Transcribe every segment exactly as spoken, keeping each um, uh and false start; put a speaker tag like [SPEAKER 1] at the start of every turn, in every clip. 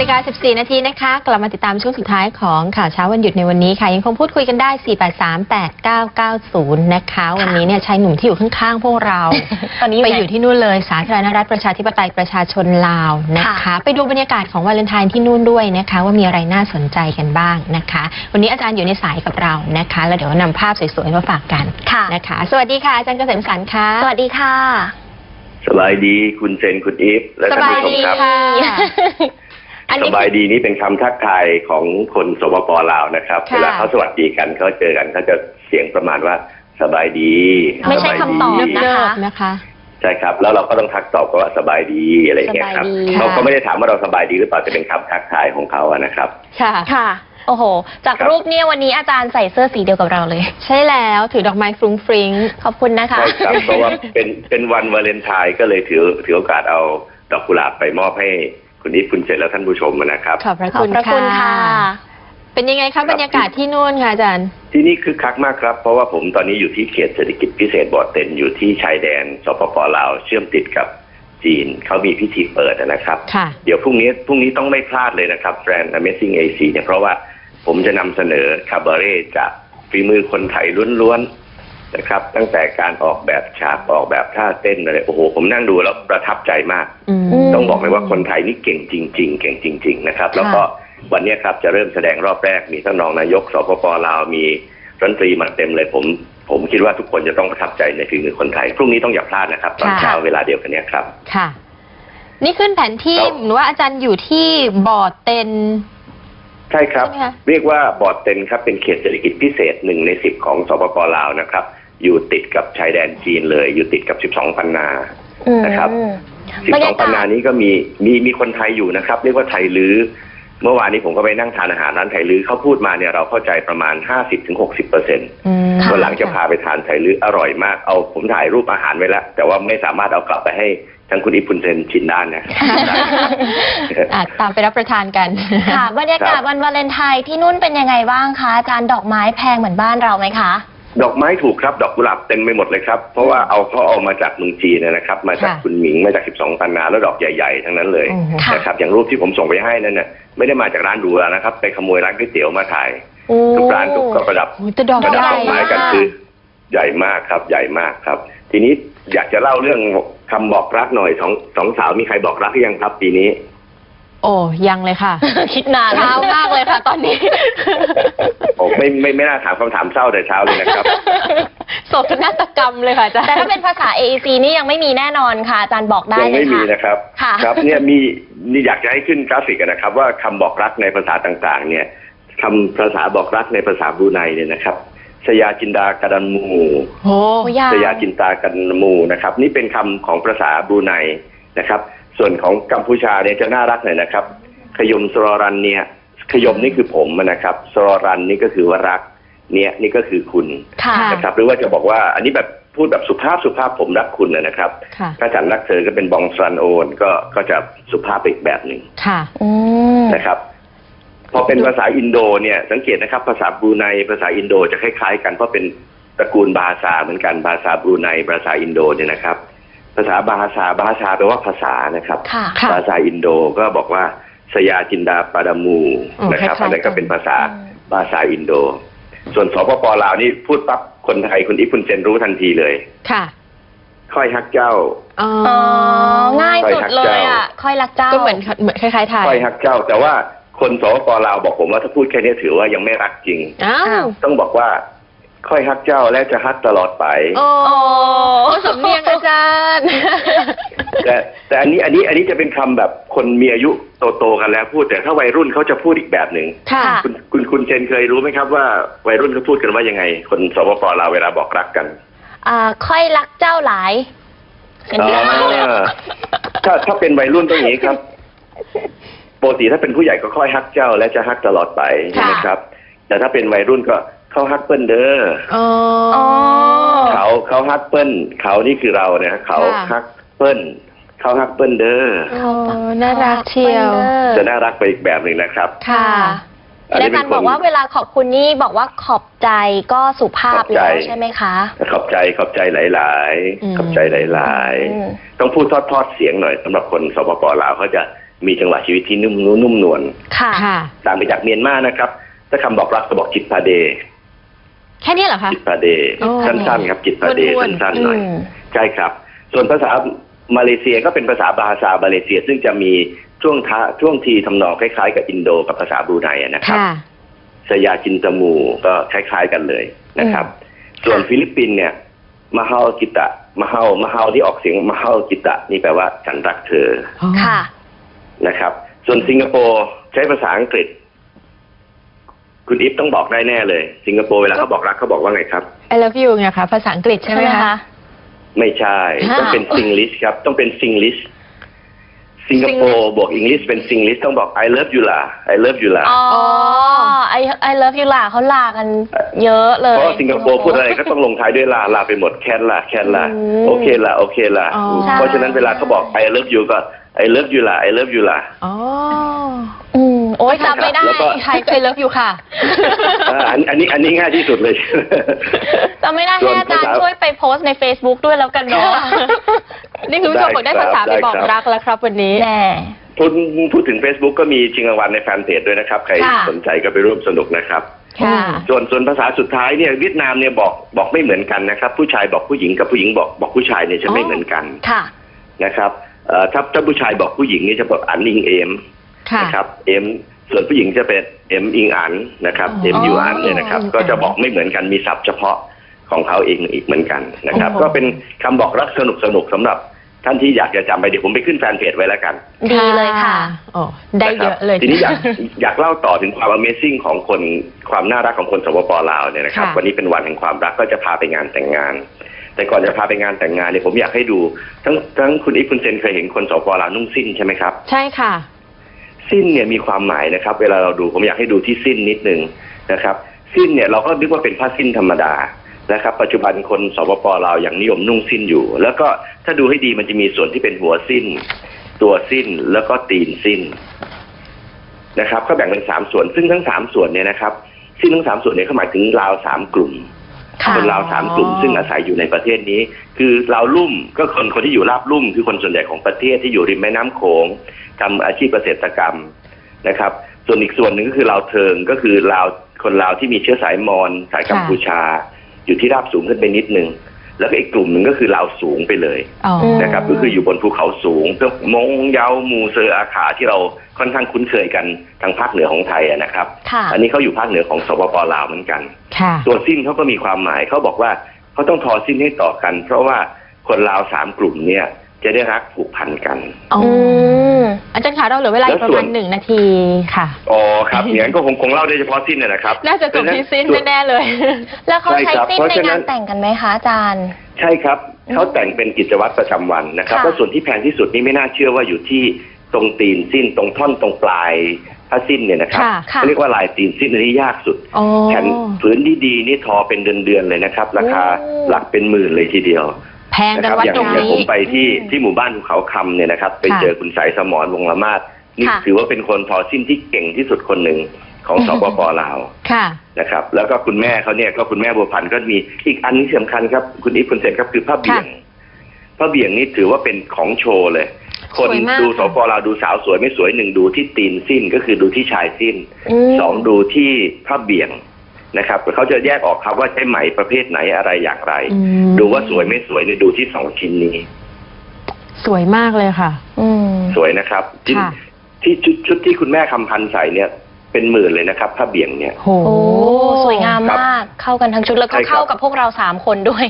[SPEAKER 1] นาฬิกาสิบสี่นาทีนะคะกลับมาติดตามช่วงสุดท้ายของข่าวเช้าวันหยุดในวันนี้ค่ะยังคงพูดคุยกันได้ สี่ แปด สาม แปด เก้า เก้า ศูนย์ นะคะวันนี้เนี่ยชายหนุ่มที่อยู่ข้างๆพวกเรา ตอนนี้ไปอยู่ที่นู่นเลยสาธารณรัฐประชาธิปไตยประชาชนลาวนะคะไปดูบรรยากาศของวาเลนไทน์ที่นู่นด้วยนะคะว่ามีอะไรน่าสนใจกันบ้างนะคะวันนี้อาจารย์อยู่ในสายกับเรานะคะแล้วเดี๋ยวนำภาพสวยๆมาฝากกันนะคะสวัสดีค่ะอาจารย์เกษมสรรค่ะ
[SPEAKER 2] สวัสดีค่ะ
[SPEAKER 3] สบายดีคุณเซนคุณอีฟและท่านผู้ชมครับสบายดีนี่เป็นคำทักทายของคนสปป.ลาวนะครับเวลาเขาสวัสดีกันเขาเจอกันเขาจะเสียงประมาณว่าสบายดี
[SPEAKER 2] ไม่ใช่คำตอบนะคะนะคะ
[SPEAKER 3] ใช่ครับแล้วเราก็ต้องทักตอบว่าสบายดีอะไรอย่างเงี้ยครับเขาก็ไม่ได้ถามว่าเราสบายดีหรือเปล่าจะเป็นคำทักทายของเขาอะนะครับ
[SPEAKER 2] ค่ะค่ะโอ้โหจากรูปเนี่ยวันนี้อาจารย์ใส่เสื้อสีเดียวกับเราเลย
[SPEAKER 1] ใช่แล้วถือดอกไม้ฟรุ้งฟริ้ง
[SPEAKER 2] ขอบคุณนะคะ
[SPEAKER 3] ใช่ครับเพราะว่าเป็นเป็นวันวาเลนไทน์ก็เลยถือถือโอกาสเอาดอกกุหลาบไปมอบให้คุณอีฟคุณเจษและท่านผู้ชมนะครับ
[SPEAKER 1] ขอบพระคุณค่ะเป็นยังไงครับบรรยากาศที่นู่นค่ะอาจารย์
[SPEAKER 3] ที่นี่คึกคักมากครับเพราะว่าผมตอนนี้อยู่ที่เขตเศรษฐกิจพิเศษบ่อเต็นอยู่ที่ชายแดนสปป.ลาวเชื่อมติดกับจีนเขามีพิธีเปิดนะครับเดี๋ยวพรุ่งนี้พรุ่งนี้ต้องไม่พลาดเลยนะครับแบรนด์ Amazing เอ ซี เนี่ยเพราะว่าผมจะนำเสนอคาบาเร่จากฝีมือคนไทยล้วนๆนะครับตั้งแต่การออกแบบฉากออกแบบท่าเต้นอะไรโอ้โหผมนั่งดูแล้วประทับใจมากต้องบอกเลยว่าคนไทยนี่เก่งจริงๆเก่งจริงๆนะครับแล้วก็วันนี้ครับจะเริ่มแสดงรอบแรกมีท่านรองนายกสปป.ลาวมีรัฐมนตรีมาเต็มเลยผมผมคิดว่าทุกคนจะต้องประทับใจในฝีมือคนไทยพรุ่งนี้ต้องอย่าพลาดนะครับตอนเช้าเวลาเดียวกันนี้ครับ
[SPEAKER 1] ค่ะนี่ขึ้นแผนที่หรือว่าอาจารย์อยู่ที่บ่อเต็น
[SPEAKER 3] ใช่ครับเรียกว่าบ่อเต็นครับเป็นเขตเศรษฐกิจพิเศษหนึ่งในสิบของสปป.ลาวนะครับอยู่ติดกับชายแดนจีนเลยอยู่ติดกับสิบสองพันนานะครับสิบสองพันนานี้ก็มีมีมีคนไทยอยู่นะครับเรียกว่าไทยลื้อเมื่อวานนี้ผมก็ไปนั่งทานอาหารร้านไทยลื้อเขาพูดมาเนี่ยเราเข้าใจประมาณ ห้าสิบถึงหกสิบเปอร์เซ็นต์ วันหลังจะพาไปทานไทยลื้ออร่อยมากเอาผมถ่ายรูปอาหารไว้แล้วแต่ว่าไม่สามารถเอากลับไปให้ทั้งคุณอิพุนเซนชินได้นะ
[SPEAKER 1] ตามไปรับประทานกัน
[SPEAKER 2] ค่ะบรรยากาศวันวาเลนไทน์ที่นู่นเป็นยังไงบ้างคะอาจารย์ดอกไม้แพงเหมือนบ้านเราไหมคะ
[SPEAKER 3] ดอกไม้ถูกครับดอกกุหลาบเต็มไปหมดเลยครับเพราะว่าเอาเขาเอามาจากเมืองจีนนะครับมาจากคุณหมิงมาจากสิบสองพันนาแล้วดอกใหญ่ๆทั้งนั้นเลยนะครับอย่างรูปที่ผมส่งไปให้นั่นเนี่ยไม่ได้มาจากร้านหรูนะครับไปขโมยร้านก๋วยเตี๋ยวมาถ่ายทุกร้านทุกก็ประดับประดับดอกไม้กันคือใหญ่มากครับใหญ่มากครับทีนี้อยากจะเล่าเรื่องคำบอกรักหน่อยสองสองสาวมีใครบอกรักหรือยังครับปีนี้
[SPEAKER 1] โอ้ยังเลยค่ะคิดนานเช้ามากเลยค่ะตอนนี้
[SPEAKER 3] โอ้ไม่ไม่ไม่น่าถามคำถามเศร้าแต่เช้าเลยนะครับ
[SPEAKER 1] โศกนาฏกรรมเลยค่ะอาจารย์
[SPEAKER 2] แต่ถ้าเป็นภาษา เอ อี ซี นี่ยังไม่มีแน่นอนค่ะอาจารย์บอกได้เลยค่ะ
[SPEAKER 3] ยังไม่มีนะครับครับเนี่ยมีนี่อยากจะให้ขึ้นกราฟิกนะครับว่าคำบอกรักในภาษาต่างๆเนี่ยคำภาษาบอกรักในภาษาบรูไนเนี่ยนะครับสยาจินดากันมูสยาจินตากันมูนะครับนี่เป็นคำของภาษาบรูไนนะครับส่วนของกัมพูชาเนี่ยจะน่ารักหน่อยนะครับขยมสรรันเนี่ยขยมนี่คือผมนะครับสรรันนี่ก็คือว่ารักเนี่ยนี่ก็คือคุณนะครับหรือว่าจะบอกว่าอันนี้แบบพูดแบบสุภาพสุภาพผมรักคุณนะครับถ้าฉันรักเธอก็เป็นบองซันโอนก็ก็จะสุภาพอีกแบบหนึ่งนะครับพอเป็นภาษาอินโดเนี่ยสังเกตนะครับภาษาบรูไนภาษาอินโดจะคล้ายๆกันเพราะเป็นตระกูลบาซาเหมือนกันบาซาบรูไนภาษาอินโดเนี่ยนะครับภาษาบาฮาซาบาฮาซาแปลว่าภาษานะครับภาษาอินโดก็บอกว่าสยาจินดาปาดามูนะครับอันนั้นก็เป็นภาษาภาษาอินโดส่วนสปป.ลาวนี่พูดปั๊บคนไทยคุณอิพุนเซนรู้ทันทีเลย
[SPEAKER 1] ค่ะ
[SPEAKER 3] ค่อยฮักเจ้า
[SPEAKER 2] อ๋อง่ายสุดเลยอ่ะค่อยรักเจ้า
[SPEAKER 1] ก็เหมือนเหมือนคล้ายๆไทย
[SPEAKER 3] ค่อยฮักเจ้าแต่ว่าคนสปป.ลาวบอกผมว่าถ้าพูดแค่นี้ถือว่ายังไม่รักจริงต้องบอกว่าค่อยฮักเจ้าและจะฮักตลอดไป
[SPEAKER 1] โอ้สำเนียงอาจารย์
[SPEAKER 3] แต่แต่อันนี้อันนี้อันนี้จะเป็นคำแบบคนมีอายุโตๆกันแล้วพูดแต่ถ้าวัยรุ่นเขาจะพูดอีกแบบหนึ่งคุณคุณคุณเชนเคยรู้ไหมครับว่าวัยรุ่นเขาพูดกันว่ายังไงคนสปป.ลาวเวลาบอกรักกัน
[SPEAKER 2] อ่าค่อยรักเจ้าหลาย
[SPEAKER 3] ถ้าถ้าเป็นวัยรุ่นต้องอย่างนี้ครับปกติถ้าเป็นผู้ใหญ่ก็ค่อยฮักเจ้าและจะฮักตลอดไปใช่ไหมครับแต่ถ้าเป็นวัยรุ่นก็เขาฮักเปิ้ลเด้อเขาเขาฮักเปิ้ลเขานี่คือเราเนี่ยเขาฮักเปิ้ลเขาฮักเปิ้ลเด้อ
[SPEAKER 1] น่ารักเชียว
[SPEAKER 3] จะน่ารักไปอีกแบบหนึ่งนะครับ
[SPEAKER 2] ค่ะอาจารย์บอกว่าเวลาขอบคุณนี่บอกว่าขอบใจก็สุภาพแล้วใช่ไหมคะ
[SPEAKER 3] ขอบใจขอบใจหลายๆขอบใจหลายๆต้องพูดทอดๆเสียงหน่อยสำหรับคนสปป.ลาวเขาจะมีจังหวะชีวิตที่นุ่มนุ่มนวล
[SPEAKER 2] ค่ะ
[SPEAKER 1] ค่ะ
[SPEAKER 3] ต่างไปจากเมียนมานะครับถ้าคำบอกรักก็บอกจิตพาเด
[SPEAKER 1] แค่นี้เหรอคะ
[SPEAKER 3] จิตพาเด
[SPEAKER 1] โอ้
[SPEAKER 3] สั้นๆครับจิตพาเด
[SPEAKER 1] วนๆ
[SPEAKER 3] สั้นๆหน่อย
[SPEAKER 2] อืม
[SPEAKER 3] ใช่ครับส่วนภาษามาเลเซียก็เป็นภาษาบาฮาซามาเลเซีย ซึ่งจะมีช่วงท้าช่วงทีทำนองคล้ายๆกับอินโดกับภาษาบรูไนนะครับ
[SPEAKER 1] ค่ะ
[SPEAKER 3] สยาจินตมูก็คล้ายๆกันเลยนะครับ ส่วนฟิลิปปินส์เนี่ยมหากิตะมหามหาที่ออกเสียงมหากิตะนี่แปลว่าฉันรักเธอ
[SPEAKER 2] ค่ะ
[SPEAKER 3] นะครับ ส่วนสิงคโปร์ใช้ภาษาอังกฤษ คุณอิฟต้องบอกได้แน่เลย สิงคโปร์เวลาเขาบอกรักเขาบอกว่าไงครับ
[SPEAKER 1] I love you ไงคะภาษาอังกฤษใช่ไหมคะ
[SPEAKER 3] ไม่ใช่
[SPEAKER 1] ฮะ
[SPEAKER 3] ต้องเป็นซิงลิชครับ ต้องเป็นซิงลิชสิงคโปร์บวกอังกฤษเป็นซิงลิชต้องบอก I love you ล่ะ I love you ล่ะ
[SPEAKER 2] อ๋อ I I love you ล่ะเขาลากันเยอะเลย
[SPEAKER 3] เพราะสิงคโปร์พูดอะไรก็ต้องลงท้ายด้วยลาลาไปหมดแคนล่ะแคนล่ะ
[SPEAKER 2] อืม
[SPEAKER 3] โอเคล่ะโอเคล่ะ
[SPEAKER 1] อ๋อ
[SPEAKER 3] เพราะฉะนั้นเวลาเขาบอก I love you ก็ I love you ล่ะ I love you ล่ะ
[SPEAKER 1] อ๋อ
[SPEAKER 2] อืมโอ๊ยจำไม่ได้
[SPEAKER 3] แล้วก็
[SPEAKER 1] ไทยเคยเลิฟอยู่ค่ะ
[SPEAKER 3] อ่าอันอันนี้อันนี้ง่ายที่สุดเลย
[SPEAKER 2] จำไม่ได้
[SPEAKER 3] ส่
[SPEAKER 2] ให้
[SPEAKER 3] วน
[SPEAKER 2] อาจารย์
[SPEAKER 3] ภาษา
[SPEAKER 2] ช่วยไปโพสต์ใน Facebook ด้วยแล้วกันเนาะ
[SPEAKER 1] นี่คุณผู้ชมบอกได้ภาษาไปบอกรักแล้วครับวันนี้
[SPEAKER 2] แน่
[SPEAKER 3] พูดพูดถึง Facebook ก็มีชิงรางวัลในแฟนเพจด้วยนะครับ ใคร
[SPEAKER 2] ค่ะ
[SPEAKER 3] สนใจก็ไปร่วมสนุกนะครับ
[SPEAKER 1] ค่ะ
[SPEAKER 3] ส่วนส่วนภาษาสุดท้ายเนี่ยเวียดนามเนี่ยบอกบอกไม่เหมือนกันนะครับ ผู้ชายบอกผู้หญิงกับผู้หญิงบอกบอกผู้ชายเนี่ยจะไม่เหมือนกัน
[SPEAKER 2] ค่ะ
[SPEAKER 3] นะครับเอ่อถ้าถ้าผู้ชายบอกผู้หญิงนี่จะบอกอันอิงเอม
[SPEAKER 1] ค่ะ
[SPEAKER 3] นะครับเอ็มส่วนผู้หญิงจะเป็นเอ็มอิงอันนะครับ
[SPEAKER 1] อ๋อ
[SPEAKER 3] เอ็มยูอันเนี่ยนะครับ
[SPEAKER 1] อิงอัน
[SPEAKER 3] ก็จะบอกไม่เหมือนกันมีศัพท์เฉพาะของเขาเองอีกเหมือนกันนะครับ
[SPEAKER 1] โอ้โห
[SPEAKER 3] ก็เป็นคำบอกรักสนุกสนุกสำหรับท่านที่อยากจะจำไปเดี๋ยวผมไปขึ้นแฟนเพจไว้แล้วกัน
[SPEAKER 2] ดีเลยค่ะ
[SPEAKER 1] โอ้ได้เยอะเลย
[SPEAKER 3] ทีนี้อยากอยากเล่าต่อถึงความ Amazing ของคนความน่ารักของคนสปปลาวเนี่ยนะครับ
[SPEAKER 1] ค่ะ
[SPEAKER 3] วันนี้เป็นวันแห่งความรักก็จะพาไปงานแต่งงาน แต่ก่อนจะพาไปงานแต่งงานเนี่ยผมอยากให้ดูทั้งทั้งคุณอิฟคุณเซนเคยเห็นคนสปปลาวนุ่งสิ้นใช่ไหมครับ
[SPEAKER 1] ใช่ค่ะ
[SPEAKER 3] สิ้นเนี่ยมีความหมายนะครับ เวลาเราดูผมอยากให้ดูที่สิ้นนิดนึงนะครับ สิ้นเนี่ยเราก็นึกว่าเป็นผ้าสิ้นธรรมดานะครับ ปัจจุบันคนสปปลาวอย่างนิยมนุ่งสิ้นอยู่ แล้วก็ถ้าดูให้ดีมันจะมีส่วนที่เป็นหัวสิ้น ตัวสิ้นแล้วก็ตีนสิ้นนะครับก็แบ่งเป็นสามส่วน ซึ่งทั้งสามส่วนเนี่ยนะครับสิ้นทั้งสามส่วนเนี่ยเขาหมายถึงลาวสามกลุ่ม
[SPEAKER 2] ค่ะ
[SPEAKER 3] คนลาวสามกลุ่ม ซึ่งอาศัยอยู่ในประเทศนี้ คือลาวลุ่มก็คนคนที่อยู่ราบลุ่ม คือคนส่วนใหญ่ของประเทศที่อยู่ริมแม่น้ำโขงทำอาชีพเกษตรกรรมนะครับ ส่วนอีกส่วนหนึ่งก็คือลาวเทิงก็คือลาวคนลาวที่มีเชื้อสายมอญสายกัมพูชา อยู่ที่ราบสูงขึ้นไปนิดนึงแล้วก็อีกกลุ่มหนึ่งก็คือลาวสูงไปเลย
[SPEAKER 1] อ๋อ
[SPEAKER 3] นะครับก็คืออยู่บนภูเขาสูงเพื่อมงเยามูเซอร์อาขาที่เราค่อนข้างคุ้นเคยกันทางภาคเหนือของไทยอะนะครับ
[SPEAKER 2] ค่ะ
[SPEAKER 3] อันนี้เขาอยู่ภาคเหนือของสปปลาวเหมือนกัน
[SPEAKER 1] ค่ะ
[SPEAKER 3] ตัวสิ้นเขาก็มีความหมายเขาบอกว่าเขาต้องทอสิ้นให้ต่อกัน เพราะว่าคนลาวสามกลุ่มเนี่ยจะได้รักผูกพันกัน
[SPEAKER 1] อ๋อ
[SPEAKER 2] อืม
[SPEAKER 1] อาจารย์คะเราเหลือเวลาอีกประมาณหนึ่งนาทีค่ะ
[SPEAKER 3] อ๋อครับอย่างนั้นก็คงคงเล่าได้เฉพาะสิ้นนะครับ
[SPEAKER 1] น่าจะจบที่สิ้นแน่ๆเลย
[SPEAKER 2] แล้วเขา
[SPEAKER 3] ใช่
[SPEAKER 2] ใช้
[SPEAKER 3] ครับ
[SPEAKER 2] สิ้น
[SPEAKER 3] เพราะ
[SPEAKER 2] ใน
[SPEAKER 3] ฉะนั้
[SPEAKER 2] งาน
[SPEAKER 3] น
[SPEAKER 2] แต่งกันไหมคะอาจารย์
[SPEAKER 3] ใช่ครับเขาแต่งเป็นกิจวัตรประจำวันนะครับ
[SPEAKER 2] ค่ะ
[SPEAKER 3] แล้วส่วนที่แพงที่สุดนี่ไม่น่าเชื่อว่าอยู่ที่ตรงตีนสิ้นตรงท่อนตรงปลายผ้าสิ้นเนี่ยนะครับ
[SPEAKER 1] ค่ะ
[SPEAKER 2] ค่ะ
[SPEAKER 3] เขาเรียกว่าลายตีนสิ้นอันนี้ยากสุด
[SPEAKER 1] อ๋อ
[SPEAKER 3] แผ่นผืนดีๆนี่ทอเป็นเดือนๆเลยนะครับ ราคา
[SPEAKER 2] โอ้
[SPEAKER 3] หลักเป็นหมื่นเลยทีเดียว
[SPEAKER 1] แพง
[SPEAKER 3] นะ
[SPEAKER 1] กั
[SPEAKER 3] คน รับ
[SPEAKER 1] วัด
[SPEAKER 3] อย่าง
[SPEAKER 1] ตรง
[SPEAKER 3] อย่าง
[SPEAKER 1] นี้
[SPEAKER 3] ผมไปที่
[SPEAKER 2] อืม
[SPEAKER 3] ที่หมู่บ้านภูเขาคำเนี่ยนะครับ ไป
[SPEAKER 1] ค่ะ
[SPEAKER 3] เจอคุณสายสมรวงละมาศนี่
[SPEAKER 2] ค่ะ
[SPEAKER 3] ถือว่าเป็นคนทอสิ้นที่เก่งที่สุดคนหนึ่งของสปปลาว
[SPEAKER 1] ค่ะ
[SPEAKER 3] นะครับ แล้วก็คุณแม่เขาเนี่ยก็คุณแม่บัวพันธ์ก็มีอีกอันนี้สำคัญครับคุณอีฟคุณเซนครับคือผ้าเบี่ยงผ้าเบี่ยงนี่ถือว่าเป็นของโชว์เลย คน
[SPEAKER 1] สวยมาก
[SPEAKER 3] ดูสปปลาวดูสาวสวยไม่สวยหนึ่งดูที่ตีนสิ้นก็คือดูที่ชายสิ้น
[SPEAKER 2] ม
[SPEAKER 3] สองดูที่ผ้าเบี่ยงนะครับเขาจะแยกออกครับว่าใช้ไหมประเภทไหนอะไรอย่างไร
[SPEAKER 1] อืม
[SPEAKER 3] ดูว่าสวยไม่สวยเนี่ยดูที่สองชิ้นนี้
[SPEAKER 1] สวยมากเลยค่ะ
[SPEAKER 2] อืม
[SPEAKER 3] สวยนะครับที่
[SPEAKER 1] ค่ะ
[SPEAKER 3] ที่ชุดชุดที่คุณแม่คำพันธ์ใส่เนี่ยเป็นหมื่นเลยนะครับผ้าเบี่ยงเนี่ย
[SPEAKER 1] โห
[SPEAKER 2] โอ้ สวยงาม
[SPEAKER 3] ครับ
[SPEAKER 2] มาก เข้ากันทั้งชุดแล้วก็
[SPEAKER 3] ใช่ครับ
[SPEAKER 2] เข้ากับพวกเราสามคนด้วย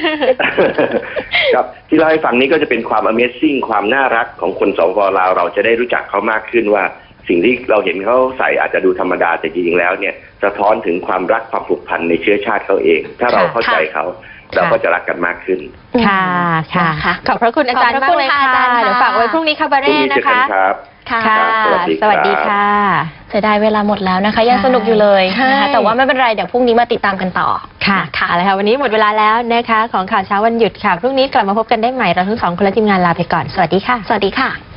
[SPEAKER 3] ครับที่เล่าให้ฟังนี้ก็จะเป็นความ Amazing ความน่ารักของคนสปปลาวเราจะได้รู้จักเขามากขึ้นว่า สิ่งที่เราเห็นเขาใส่อาจจะดูธรรมดาแต่จริงๆแล้วเนี่ยสะท้อนถึงความรักความผูกพันในเชื้อชาติเขาเอง ถ้าเราเข้าใจเขาเราก็จะรักกันมากขึ้น
[SPEAKER 1] ค่ะค่ะ
[SPEAKER 2] นะคะ
[SPEAKER 1] ขอบพระคุณอาจารย์
[SPEAKER 2] ขอบพ
[SPEAKER 1] มา
[SPEAKER 2] ระ
[SPEAKER 1] ก
[SPEAKER 2] คุณ
[SPEAKER 1] เลย
[SPEAKER 2] ค่ะ
[SPEAKER 1] ค่ะ
[SPEAKER 2] อาจารย์ค่ะ
[SPEAKER 1] เดี๋ยวฝากไว้พรุ่งนี้คาบา
[SPEAKER 3] พรุ่ง
[SPEAKER 1] เร่
[SPEAKER 3] นี้เจอ
[SPEAKER 1] นะ
[SPEAKER 3] กัน
[SPEAKER 1] คะ
[SPEAKER 3] ครับ
[SPEAKER 2] ค่ะ
[SPEAKER 1] ค่ะ
[SPEAKER 3] สวัสดีครับ
[SPEAKER 1] สวัสดีค่ะ
[SPEAKER 2] เสียดายเวลาหมดแล้วนะคะ ยังสนุกอยู่เลย
[SPEAKER 1] ใช่
[SPEAKER 2] นะคะแต่ว่าไม่เป็นไร เดี๋ยวพรุ่งนี้มาติดตามกันต่อ
[SPEAKER 1] ค่ะค่ะเอาละค่ะวันนี้หมดเวลาแล้วนะคะของข่าวเช้าวันหยุดค่ะพรุ่งนี้กลับมาพบกันได้ใหม่เราทั้งสองคนและทีมงานลาไปก่อนสวัสดีค่ะ
[SPEAKER 2] สวัสดีค่ะ